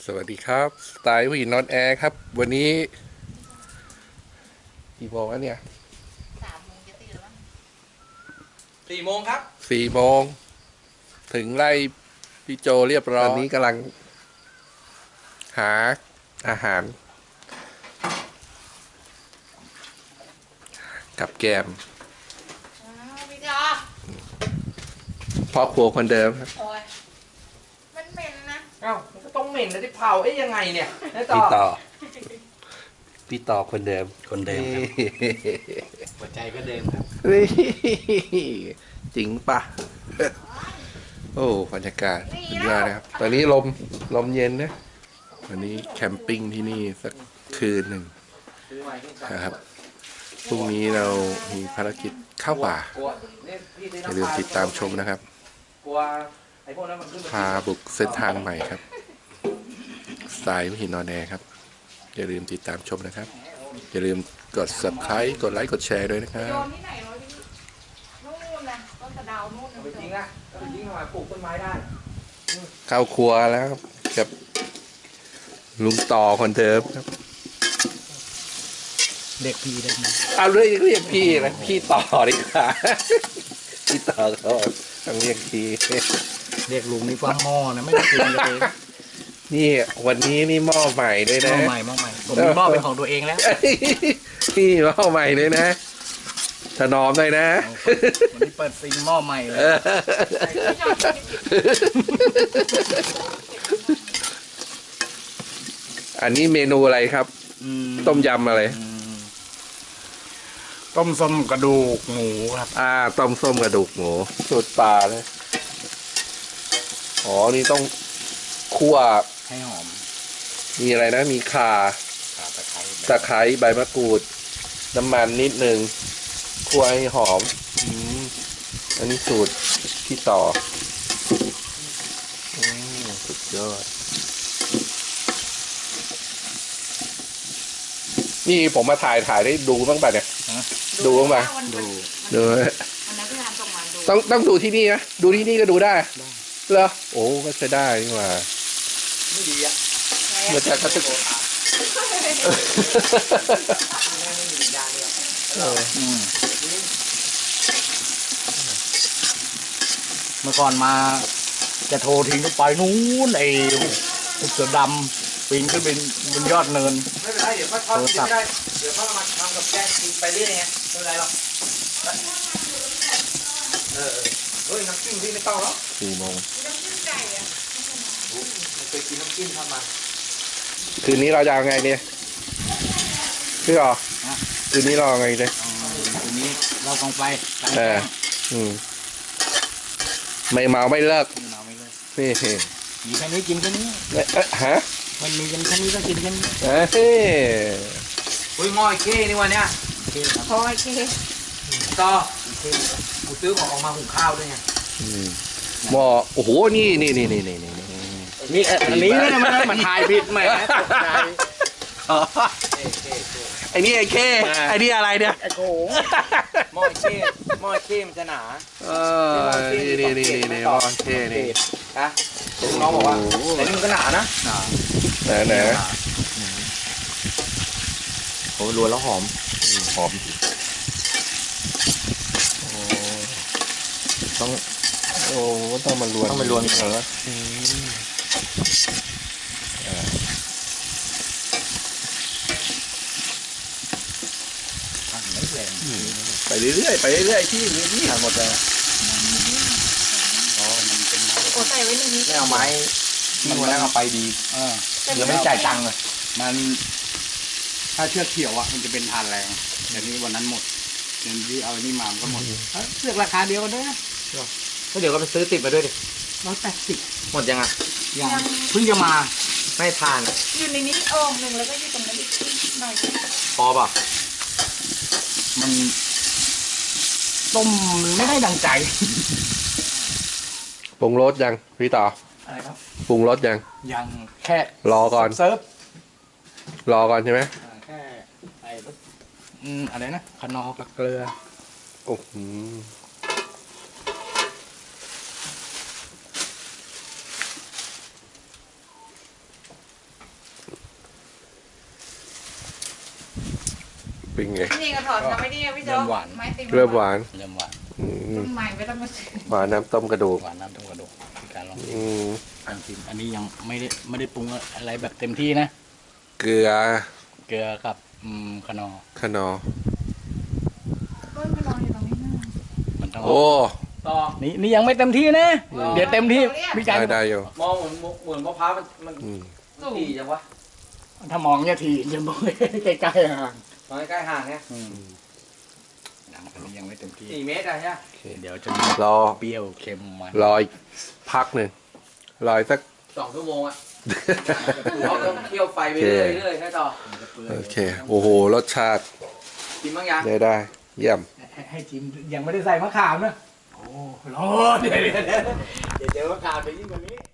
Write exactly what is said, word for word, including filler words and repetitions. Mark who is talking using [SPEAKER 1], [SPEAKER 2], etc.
[SPEAKER 1] สวัสดีครับสไตล์ผู้หญิงนอนแอร์ครับ วันนี้กี่โมงแล้วเนี่ย
[SPEAKER 2] สามโมงจะตื่นแล้ว
[SPEAKER 3] สี่โมงครับ
[SPEAKER 1] สี่โมงถึงไล่พี่โจเรียบร้อยตอนนี้กำลัง หาอาหาร กับแกม
[SPEAKER 2] พี่จอ
[SPEAKER 1] พ่อครัวคนเดิมครับ
[SPEAKER 2] โอ้ยมันเหม็นนะ
[SPEAKER 3] เอ้ามันก็ต้องเหม็นนะที่เผาเอ๊ยยังไงเนี่ยนายต่อ
[SPEAKER 1] พี่ต่อ พี่ต่อคนเดิม
[SPEAKER 4] คนเดิมครับหัวใจก็เดิมครับ
[SPEAKER 1] นี่จริงปะโอ้บรรยากาศสุดยอดนะครับ ตอนนี้ลมลมเย็นนะวันนี้แคมปิ้งที่นี่สักคืนหนึ่งนะครับพรุ่งนี้เรามีภารกิจเข้าป่า
[SPEAKER 3] กลัวเนี่ยพี่ซื้อ
[SPEAKER 1] อย่า
[SPEAKER 3] น้ำ
[SPEAKER 1] ลื
[SPEAKER 3] ป
[SPEAKER 1] ม
[SPEAKER 3] ลา
[SPEAKER 1] ติดตามชมนะครับ
[SPEAKER 3] กลัวไอ้พวกนั้นมันขึ้น
[SPEAKER 1] พาบุกเส้นทางใหม่ครับสไตล์หินนอนแอร์ครับ อย่าลืมติดตามชมนะครับ อย่าลืมกด ซับสไครบ์ กดไลค์ กดแชร์ด้วยนะครั
[SPEAKER 2] โย
[SPEAKER 1] บ
[SPEAKER 2] นที่ไหนวะพี่นู่นนะต้นสะเดาวนู่น
[SPEAKER 3] เอาไปทิ้งนะเอาไปทิ้งทำไมปลูกต้นไม้ได้
[SPEAKER 1] เข้าครัวแล้วครับกับลุงต่อคนเดิมครับ
[SPEAKER 4] เด็กพีได้ไหม
[SPEAKER 1] เอาเรียกเรียกพี่นะพี่ต่อดีกว่า พี่ต่อเขาต้องเรียกพี่
[SPEAKER 4] เรียกลุงนี่ฟ้าหม้อนะไม่ได้กินเลย
[SPEAKER 1] นี่วันนี้นี่หม้อใหม่ด้วย
[SPEAKER 4] หม้
[SPEAKER 1] นะ
[SPEAKER 4] อใหม่หม้อใหม่ผมมีหม้อเป็นของตัวเองแล้ว
[SPEAKER 1] นี่หม้อใหม่เลยนะถนอมเลยนะ
[SPEAKER 4] วันนี้เปิดซิงหม้อใหม่เลย
[SPEAKER 1] อันนี้เมนูอะไรครับ
[SPEAKER 4] อืม
[SPEAKER 1] ต้มยำอะไร
[SPEAKER 4] อืมต้มส้มกระดูกหมูครับ
[SPEAKER 1] อ่าต้มส้มกระดูกหมูสูตรปลาเลยอ๋อนี่ต้องคั่ว
[SPEAKER 4] ให้หอม
[SPEAKER 1] มีอะไรนะ มีข่า
[SPEAKER 4] ขาตะไคร้
[SPEAKER 1] ตะไคร้ใบมะกรูด น้ำมันนิดนึงคั่วให้หอมอืมอันนี้สูตรพี่ต่ออืมสุดยอดนี่ผมมาถ่ายถ่ายได้ดูบ้างป่ะเนี่ย ดูบ้างป่ะ
[SPEAKER 4] ดู
[SPEAKER 1] ดู
[SPEAKER 2] อันนั้นพี่ทำส่งมาดู
[SPEAKER 1] ต้องต้องดูที่นี่นะดูที่นี่ก็ดูได้เหรอโอ้ก็จะได้นี่หว่า
[SPEAKER 3] ไม่ดีอ่ะ
[SPEAKER 1] มันจะก็จะ
[SPEAKER 3] ไม่มียางเลยอะ
[SPEAKER 1] เออ
[SPEAKER 4] อืมเมื่อก่อนมาจะโทรทิ้งก็ไปนู้นไอ้เสือดำปีนขึ้นเป็นบนยอดเนิน
[SPEAKER 3] ไม่เป็นไรเดี๋ยวก็ทอดกินไม่ได้เดี๋ยวเขาเอามาทำกับแกงกินไปเรื่อยไงไม่เป็นไรหรอกเออเออเฮ้ยน้ำจิ้มพี่ไม่ต้องหรอก
[SPEAKER 1] สี่โมง
[SPEAKER 2] น้ำจิ้มไก่อะ
[SPEAKER 3] ไม่เคยกินน้ำจิ้มทำมา
[SPEAKER 1] คืนนี้เราจะเอาไงเนี่ยพี่หรอคืนนี้เราเอาไงเนี่ย
[SPEAKER 4] อ๋อทีนี้เราต้องไปไป
[SPEAKER 1] เอออืมไม่เมาไม่เลิก
[SPEAKER 4] เราไม่เลย
[SPEAKER 1] นี่
[SPEAKER 4] มีแค่นี้กินแค่นี้
[SPEAKER 1] เอ๊ะเอ๊ะฮะ
[SPEAKER 4] มันมีกันแค่นี้ก็กินแค่นี้
[SPEAKER 1] เอ้ย
[SPEAKER 3] เฮ้ยหม้อไอ้เข้นี่วันเนี้ย
[SPEAKER 4] โอเคครับ
[SPEAKER 2] โอ้ยเค
[SPEAKER 3] ต่อกูซื้อของออกมาหุงข้าวด้วยไง
[SPEAKER 1] อืมหม้อโอ้โหนี่นี่นี่นี่นี่นี่นี่
[SPEAKER 4] นี่อันนี้นะมันมันถ่ายผิดแหมตกใจ
[SPEAKER 1] อ๋อ
[SPEAKER 3] เอ๊ะเอ๊ะเอ๊ะ
[SPEAKER 1] ไอ้นี่ไอ้เคไอ้นี่อะไรเนี่ย
[SPEAKER 4] ไอ้โขง
[SPEAKER 3] หม้อไอ้เข้หม้อไอ้เข้มันจะหนา
[SPEAKER 1] เออนี่นี่นี่นี่นี่หม้อเคนี่
[SPEAKER 3] นะน้องบอกว่าแต่นี่มันก็หนานะ
[SPEAKER 1] ไหนไหน
[SPEAKER 4] โอ้รวนแล้วหอม
[SPEAKER 1] หอมโอ้ต้องโอ้ต้องมารวน
[SPEAKER 4] ต้องมารวน
[SPEAKER 1] ก่อนแล้วไปเรื่อยๆไปเรื่อยๆที่นี่
[SPEAKER 4] ทานหมดเลยอ๋อมันเป็นไม้
[SPEAKER 2] โอ้ใส่ไว้ในนี้
[SPEAKER 3] ไม่เอาไม้ที่วันนั้นเอาไปดี
[SPEAKER 4] เออ
[SPEAKER 3] เดี๋ยวไม่ได้จ่ายตังค์เลย
[SPEAKER 4] มัน ถ้าเชือกเขียวอ่ะมันจะเป็นทานแรงเดี๋ยวนี้วันนั้นหมดเดี๋ยวนี้เอาอันนี้มามันก็หมดเอ้ยเลือกราคาเดียวกันด้วยนะ
[SPEAKER 3] ก็เดี๋ยวก็ไปซื้อติดมาด้วยดิ
[SPEAKER 4] ร้อยแปดสิบ
[SPEAKER 3] หมดยังอ่ะ
[SPEAKER 4] ยังเพิ่งจะมา
[SPEAKER 3] ไม่ทาน
[SPEAKER 2] อยู่ในนี้โอ่งหนึ่งแล้วก็อยู่ตรงนั้นอีกหน่อย
[SPEAKER 3] พอป่ะ
[SPEAKER 4] มันต้มไม่ได้ดังใจ
[SPEAKER 1] ปรุงรสยังพี่ต่อ
[SPEAKER 4] อะไรครับ
[SPEAKER 1] ปรุงรสยัง
[SPEAKER 4] ยังแค่
[SPEAKER 1] รอก่อน
[SPEAKER 4] เซิร์ฟ
[SPEAKER 1] รอก่อนใช่ไหม
[SPEAKER 4] อ่าแค่ไอ้รสอืมอะไรนะขนอกับเกลือ
[SPEAKER 1] โอ้โหเป็นไง
[SPEAKER 2] นี่ก็ถอดทำไม่ดีพี่โจ๊กไม้ตี
[SPEAKER 1] เริ่มหวาน
[SPEAKER 4] เริ่มหวาน
[SPEAKER 1] อืม
[SPEAKER 2] รุ่นใหม่ไม่ต้องมาซื้อ
[SPEAKER 1] หวานน้ำต้มกระดูก
[SPEAKER 4] หวานน้ำต้มกระดูกมีการลอง
[SPEAKER 1] อืม
[SPEAKER 4] ลองชิมอันนี้ยังไม่ได้ไม่ได้ปรุงอะไรแบบเต็มที่นะ
[SPEAKER 1] เกลือ
[SPEAKER 4] เกลือกับอืมขนอ
[SPEAKER 1] ขนอ
[SPEAKER 2] ต้นมานอนอยู่ตรงนี้นะ
[SPEAKER 4] มันต้อง
[SPEAKER 1] โอ้
[SPEAKER 3] ต่อ
[SPEAKER 4] นี่นี่ยังไม่เต็มที่นะ เดี๋ยวเต็มที่พี่การ
[SPEAKER 1] ได้ได้อยู่
[SPEAKER 3] มองเหมือนเหมือนมะพร้าวมันมัน
[SPEAKER 1] อืม
[SPEAKER 3] ถี่จังวะ
[SPEAKER 4] ถ้ามองเนี่ยทีจะมองใกล้ๆห่าง
[SPEAKER 3] มองใกล้ๆห่างเนี่ย
[SPEAKER 4] อืมยังอันนี้ยังไม่เต็มที่
[SPEAKER 3] สี่เมตรอะใช่ไหม
[SPEAKER 1] โอเค
[SPEAKER 4] เดี๋ยวจะมี
[SPEAKER 1] รอ
[SPEAKER 4] เปรี้ยวเค็มมัน
[SPEAKER 1] รออีกพักหนึ่งรออีกสัก
[SPEAKER 3] สองชั่วโมงอะเขาต้องเคี่ยวไฟไปเรื่อยๆเรื่อยๆใช่ต่อ
[SPEAKER 1] โอเค โอ้โห รสชาติ
[SPEAKER 3] กินบ้างยัง
[SPEAKER 1] ได้ได้ เยี่ยม
[SPEAKER 4] ให้ให้ชิมยังไม่ได้ใส่มะขามนะโอ้ร้อนเดี๋ยวเดี๋ยวเดี๋ยวเดี๋ยวเจอมะขามจะยิ่งกว่านี้